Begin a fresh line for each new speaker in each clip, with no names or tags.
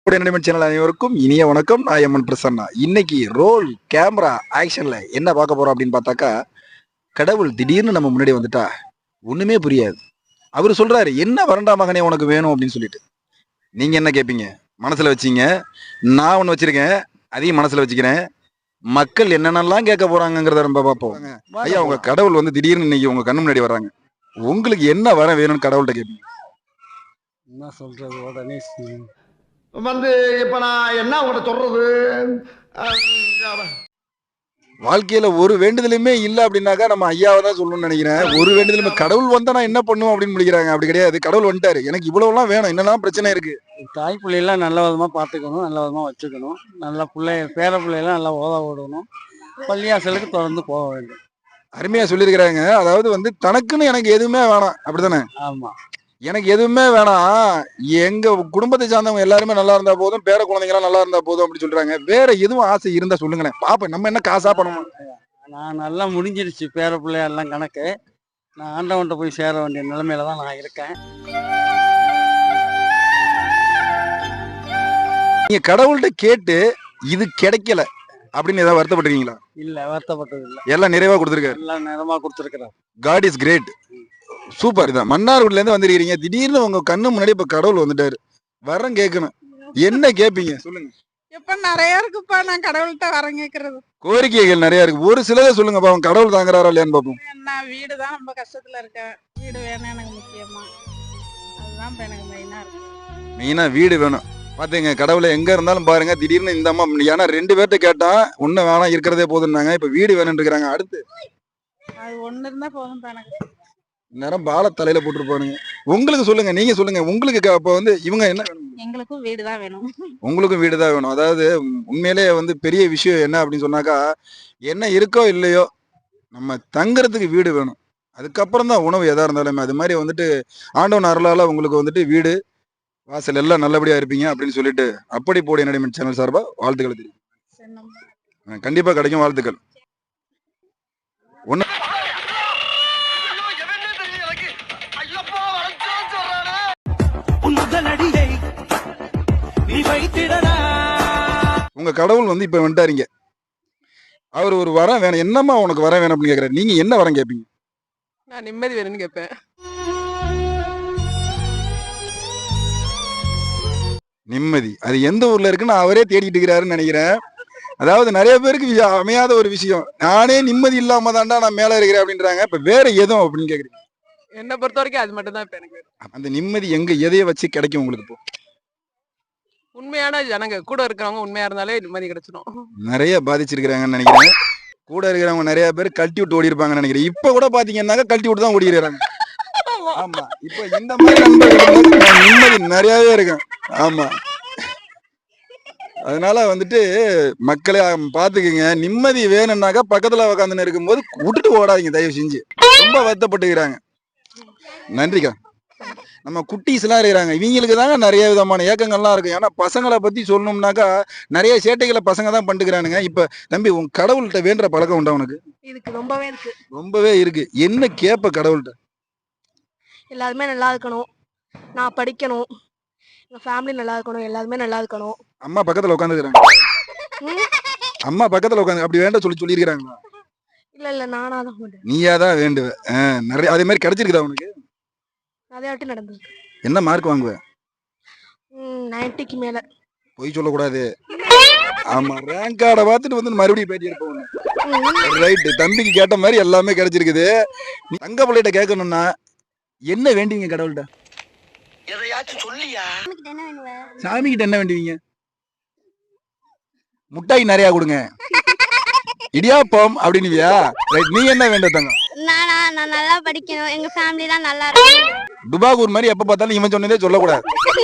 Entertainment channel அனைவருக்கும் இனிய வணக்கம். நான் எம்என் பிரசன்னா. இன்னைக்கு ரோல் கேமரா ஆக்ஷன்ல என்ன பார்க்க போறோம் அப்படின்னு பார்த்தாக்கா, கடவுள் திடீர்னு நம்ம முன்னாடி வந்துட்டா ஒண்ணுமே புரியாது. அவரு சொல்றாரு, என்ன வரண்டா மகனே உனக்கு வேணும் அப்படின்னு சொல்லிட்டு. நீங்க என்ன கேட்பீங்க? மனசுல வச்சீங்க. நான் ஒண்ணு வச்சிருக்கேன், அதையும் மனசுல வச்சுக்கிறேன். மக்கள் என்னென்னலாம் கேட்க போறாங்கிறத நம்ம பார்ப்போம். ஐயா, உங்க கடவுள் வந்து திடீர்னு இன்னைக்கு உங்க கண்ணு முன்னாடி வர்றாங்க. உங்களுக்கு என்ன வர வேணும்னு கடவுள்கிட்ட கேட்பீங்க?
என்ன சொல்றது உடனே
வந்து இப்ப நான் என்ன உங்கள்கிட்ட சொல்றது?
வாழ்க்கையில ஒரு வேண்டுதலுமே இல்ல அப்படின்னாக்கா நம்ம ஐயாவை தான் சொல்லணும்னு நினைக்கிறேன். ஒரு வேண்டுதலுமே கடவுள் வந்தா நான் என்ன பண்ணுவோம் அப்படின்னு முடிக்கிறாங்க. அப்படி கிடையாது. கடவுள் வந்துட்டாரு, எனக்கு இவ்வளவுலாம் வேணும், என்னெல்லாம் பிரச்சனை இருக்கு.
தாய் பிள்ளையெல்லாம் நல்ல விதமா பார்த்துக்கணும், நல்ல விதமா வச்சுக்கணும், நல்ல பேர பிள்ளையெல்லாம் நல்லா ஓத விடணும், பள்ளியாசலுக்கு தொடர்ந்து போக வேண்டும்.
அருமையா சொல்லியிருக்கிறாங்க. அதாவது வந்து தனக்குன்னு எனக்கு எதுவுமே வேணாம், அப்படித்தானே?
ஆமா,
எனக்கு எதுவுமே வேணாம், எங்க குடும்பத்தை சார்ந்தவங்க எல்லாருமே நல்லா இருந்தா போதும், பேர குழந்தைங்களாம் நல்லா இருந்தா போதும் அப்படின்னு சொல்றாங்க. வேற எதுவும் ஆசை இருந்தா சொல்லுங்களேன் பாப்பேன். நம்ம என்ன காசா பண்ணணும்?
நான் நல்லா முடிஞ்சிருச்சு பேர பிள்ளையெல்லாம் கணக்கு. நான் ஆண்டவன்கிட்ட போய் சேர வேண்டிய நிலைமையில தான் நான் இருக்கேன்.
நீங்க கடவுள்கிட்ட கேட்டு இது கிடைக்கல அப்படின்னு ஏதாவது வருத்தப்பட்டிருக்கீங்களா?
இல்ல, வருத்தப்பட்டது இல்ல.
எல்லாம் நிறைவா கொடுத்துருக்காரு.
எல்லாம் நேரமா கொடுத்துருக்கிறார்.
God is great. சூப்பர். இதான் மன்னார்குடில இருந்து வந்திருக்கீங்க, திடீர்னு உங்க கண்ணு முன்னாடி இப்ப கடவுள் வந்துட்டாரு. வரம் கேட்கணும், என்ன கேட்பீங்க சொல்லுங்க?
இப்ப நிறைய இருக்குப்பா, நான் கடவுள்கிட்ட வரம் கேட்கறது.
கோரிக்கைகள் நிறைய இருக்கு, ஒரு சிலதை சொல்லுங்கப்பா. அவன் கடவுள் தாங்குறாரா இல்லையான்னு பார்ப்போம்.
நான் வீடு தான் ரொம்ப கஷ்டத்துல இருக்கேன், வீடு வேணும் எனக்கு முக்கியமா. அதுதான் இப்ப எனக்கு மெயினா இருக்கு.
மெயினா வீடு வேணும். பாத்தீங்க, கடவுளை எங்க இருந்தாலும் பாருங்க, திடீர்னு இந்த அம்மா ஏன்னா 2 பேர்ட்ட கேட்டா ஒண்ணு வேணாம் இருக்கிறதே போதுன்னாங்க, இப்ப வீடு வேணும்னு இருக்கிறாங்க. அடுத்து
அது ஒண்ணு இருந்தா போதும் எனக்கு.
நேரம் பால தலையில போட்டுருப்பானுங்க. உங்களுக்கு சொல்லுங்க, நீங்க சொல்லுங்க. உங்களுக்கு அப்ப வந்து இவங்க என்ன வேணும்?
எங்களுக்கும் வீடு தான் வேணும்.
உங்களுக்கும் வீடு தான் வேணும். அதாவது உண்மையிலேயே வந்து பெரிய விஷயம் என்ன அப்படின்னு சொன்னாக்கா, என்ன இருக்கோ இல்லையோ நம்ம தங்குறதுக்கு வீடு வேணும். அதுக்கப்புறம் தான் உணவு எதா இருந்தாலுமே. அது மாதிரி வந்துட்டு ஆண்டவன் அருளால உங்களுக்கு வந்துட்டு வீடு வாசல் எல்லாம் நல்லபடியா இருப்பீங்க அப்படின்னு சொல்லிட்டு அப்படி போடி என்டர்டைன்மெண்ட் சேனல் சார்பா வாழ்த்துக்கள் தெரியும். கண்டிப்பா கிடைக்கும், வாழ்த்துக்கள். ஒண்ணு உங்க கடவுள் வந்து இப்ப வந்துட்டாருங்க. அவர் ஒரு வரம் வேணும், என்னம்மா உனக்கு வரம் வேணும் அப்படின்னு கேக்குறாரு. நீங்க என்ன வரம் கேட்பீங்க?
நான் நிம்மதி வேணும்னு கேட்பேன்.
நிம்மதி அது எந்த ஊர்ல இருக்குன்னு அவரே தேடிட்டு இருக்கிறாருன்னு நினைக்கிறேன். அதாவது நிறைய பேருக்கு அமையாத ஒரு விஷயம், நானே நிம்மதி இல்லாம தாண்டா நான் மேல இருக்கிறேன் அப்படின்றாங்க. இப்ப வேற எதுவும் அப்படின்னு கேக்குறீங்க?
என்ன பொறுத்த வரைக்கும் அது மட்டும் தான் இப்ப எனக்கு.
அந்த நிம்மதி எங்க எதைய வச்சு கிடைக்கும் உங்களுக்கு? இப்போ
உண்மையான ஜனங்க கூட இருக்கிறவங்க உண்மையா இருந்தாலே நிம்மதி கிடைச்சிடும்.
நிறைய பாதிச்சிருக்கிறாங்கன்னு நினைக்கிறேன். கூட இருக்கிறவங்க நிறைய பேர் கழட்டி விட்டு ஓடி இருப்பாங்கன்னு நினைக்கிறேன். இப்ப கூட பாத்தீங்கன்னா கழட்டி விட்டு தான் ஓடி இருக்கிறாங்க. ஆமா, இப்ப இந்த மாதிரி நண்பர்கள் நிம்மதி நிறையவே இருக்கும். ஆமா, அதனால வந்துட்டு மக்களை பாத்துக்குங்க. நிம்மதி வேணும்னாக்கா பக்கத்துல உட்காந்துன்னு இருக்கும்போது விட்டுட்டு ஓடாதீங்க தயவு செஞ்சு. ரொம்ப வருத்தப்பட்டுக்கிறாங்க. நன்றிக்கா. நம்ம குட்டீஸ் எல்லாம் இருக்கிறாங்க, இவங்களுக்கு தாங்க நிறைய விதமான ஏக்கங்கள்லாம் இருக்கும். ஏன்னா பசங்களை பத்தி சொல்லணும்னாக்கா நிறைய சேட்டைகளை பசங்க தான் பண்ணிக்கிறானுங்க. இப்ப தம்பி, உன் கடவுள்கிட்ட வேண்டுற பழக்கம் உண்டா உனக்கு?
இதுக்கு ரொம்பவே இருக்கு.
ரொம்பவே இருக்கு. என்ன கேப்ப கடவுள்கிட்ட?
எல்லாருமே நல்லா இருக்கணும், நான் படிக்கணும், எங்கள் ஃபேமிலி நல்லா இருக்கணும், எல்லாருமே நல்லா இருக்கணும்.
அம்மா பக்கத்துல உட்காந்துக்கிறாங்க. அம்மா பக்கத்துல உட்காந்து அப்படி வேண்ட சொல்லியிருக்கிறாங்களா?
இல்லை இல்லை, நானாக தான் வேண்டுவேன்.
நீயா தான் வேண்டுவ. நிறைய அதே மாதிரி கிடைச்சிருக்குதா உனக்கு?
நிறைய வாட்டி நடந்திருக்கு.
என்ன மார்க் வாங்குவ?
90க்கு மேலே.
பொய் சொல்லக்கூடாது. ஆமா, ரேங்க் கார்டை பார்த்துட்டு வந்து மறுபடியும் பேட்டி எடுப்போம். ரைட்டு, தம்பிக்கு கேட்ட மாதிரி எல்லாமே கிடைச்சிருக்குது. தங்க பிள்ளைகிட்ட கேட்கணும்னா என்ன வேண்டுவீங்க கடவுள்கிட்ட?
எதையாச்சும் சொல்லியா?
சாமி கிட்ட என்ன வேண்டுவீங்க? முட்டாய் நிறைய கொடுங்க, இடியாப்பம் அப்படின்னுவியா? ரைட், நீ என்ன வேண்ட தங்க?
நான் நல்லா படிக்கணும், எங்க ஃபேமிலி தான் நல்லா இருக்கணும்.
துபாகூர் மாதிரி எப்ப பார்த்தாலும் இவன் சொன்னதே சொல்லக்கூடாது.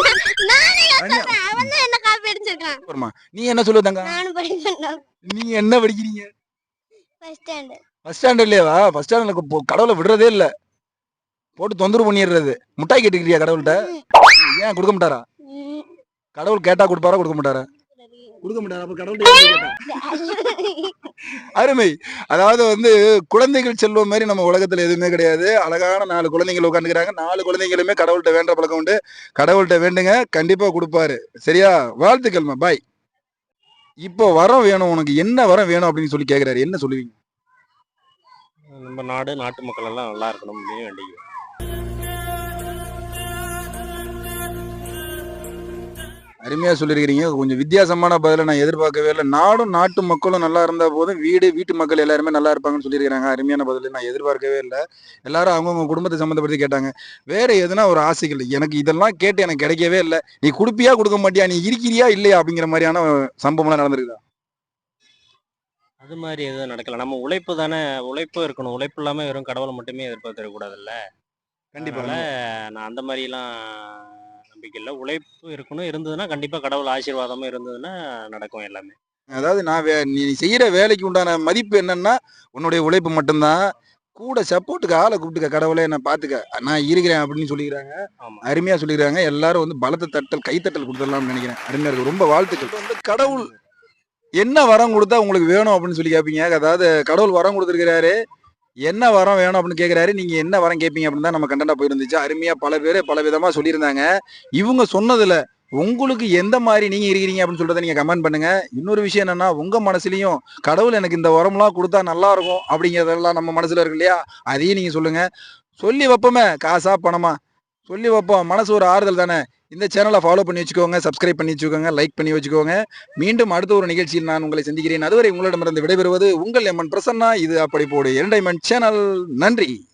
என்ன காப்பி அடிச்சிருக்கான்.
நீ என்ன சொல்லுவ தங்க?
நானும் படிக்கணும்.
நீ என்ன படிக்கிறீங்க?
First standard.
ஃபர்ஸ்ட் ஸ்டாண்டர்ட்லயேவா? ஃபர்ஸ்ட் ஸ்டாண்டர்ட்ல கடவுளை விடுறதே இல்ல, போட்டு தொந்தரவு பண்ணிடுறது. முட்டாய் கேட்டுக்கிறியா கடவுள்கிட்ட? ஏன் கொடுக்க மாட்டாரா? கடவுள் கேட்டா கொடுப்பாரா கொடுக்க மாட்டாரா? கொடுக்க மாட்டாரு அப்ப கடவுள்கிட்ட அருமை. அதாவது வந்து குழந்தைகள் செல்வம் மாதிரி நம்ம உலகத்துல எதுவுமே கிடையாது. அழகான 4 குழந்தைகள் உட்காந்துக்கிறாங்க. 4 குழந்தைகளுமே கடவுள்கிட்ட வேண்ட பழக்கம் உண்டு. கடவுள்கிட்ட வேண்டுங்க, கண்டிப்பா கொடுப்பாரு. சரியா? வாழ்த்துக்கள்மா. பாய். இப்போ வரம் வேணும், உனக்கு என்ன வரம் வேணும் அப்படின்னு சொல்லி கேக்குறாரு. என்ன சொல்லுவீங்க?
நம்ம நாடு நாட்டு மக்கள் எல்லாம் நல்லா இருக்கணும் அப்படின்னு வேண்டிக்குவேன்.
அருமையா சொல்லியிருக்கிறீங்க. கொஞ்சம் வித்தியாசமான பதில நான் எதிர்பார்க்கவே இல்லை. நாடும் நாட்டு மக்களும் நல்லா இருந்தா போதும், வீட்டு மக்கள் எல்லாருமே நல்லா இருப்பாங்கன்னு சொல்லியிருக்கிறாங்க. அருமையான பதில் நான் எதிர்பார்க்கவே இல்லை. எல்லாரும் அவங்கவுங்க குடும்பத்தை சம்மந்தப்படுத்தி கேட்டாங்க. வேற எதுனா ஒரு ஆசைகள் எனக்கு இதெல்லாம் கேட்டு எனக்கு கிடைக்கவே இல்லை. நீ கொடுப்பியா கொடுக்க மாட்டியா, நீ இருக்கிறியா இல்லையா அப்படிங்கிற மாதிரியான சம்பவம்லாம் நடந்திருக்குதா?
அது மாதிரி எதுவும் நடக்கல. நம்ம உழைப்பு தானே, உழைப்பு இருக்கணும். உழைப்பு இல்லாம வெறும் கடவுளை மட்டுமே எதிர்பார்த்திடக்கூடாதுல்ல.
கண்டிப்பா.
அதனால நான் அந்த மாதிரிலாம் நம்பிக்கை இல்லை. உழைப்பு இருக்கணும், இருந்ததுன்னா கண்டிப்பா கடவுள் ஆசீர்வாதமும் இருந்ததுன்னா நடக்கும் எல்லாமே.
அதாவது நீ செய்யற வேலைக்கு உண்டான மதிப்பு என்னன்னா உன்னுடைய உழைப்பு மட்டும்தான். கூட சப்போர்ட்டுக்கு ஆளை கூப்பிட்டுக்க, கடவுளே என்ன பாத்துக்க, நான் இருக்கிறேன் அப்படின்னு சொல்லிக்கிறாங்க.
ஆமா.
அருமையா சொல்லிக்கிறாங்க. எல்லாரும் வந்து பலத்த தட்டல், கைத்தட்டல் கொடுத்துடலாம்னு நினைக்கிறேன். அருமையா இருக்கு. ரொம்ப வாழ்த்துக்கள். வந்து கடவுள் என்ன வரம் கொடுத்தா உங்களுக்கு வேணும் அப்படின்னு சொல்லி கேட்பீங்க. அதாவது கடவுள் வரம் கொடுத்துருக்கிறாரு, என்ன வரம் வேணும் அப்படின்னு கேட்குறாரு. நீங்க என்ன வரம் கேட்பீங்க அப்படின்னு தான் நம்ம கண்டென்ட்டா போயிருந்துச்சு. அருமையா பல பேர் பல விதமா சொல்லியிருந்தாங்க. இவங்க சொன்னதுல உங்களுக்கு எந்த மாதிரி நீங்க இருக்கிறீங்க அப்படின்னு சொல்றதை நீங்க கமெண்ட் பண்ணுங்க. இன்னொரு விஷயம் என்னன்னா, உங்க மனசுலயும் கடவுள் எனக்கு இந்த வரம்லாம் கொடுத்தா நல்லா இருக்கும் அப்படிங்கிறதெல்லாம் நம்ம மனசுல இருக்கு இல்லையா, அதையும் நீங்க சொல்லுங்க. சொல்லி வைப்போமே, காசா பணமா சொல்லி வைப்போம். மனசு ஒரு ஆறுதல் தானே. இந்த சேனலை ஃபாலோ பண்ணி வச்சுக்கோங்க, சப்ஸ்கிரைப் பண்ணி வச்சுக்கோங்க, லைக் பண்ணி வச்சுக்கோங்க. மீண்டும் அடுத்த ஒரு நிகழ்ச்சியில் நான் உங்களை சந்திக்கிறேன். அதுவரை உங்களிடமிருந்து விடைபெறுவது உங்கள் எம்என் பிரசன்னா. இது அப்படி போடு என்டர்டைன்மெண்ட் சேனல். நன்றி.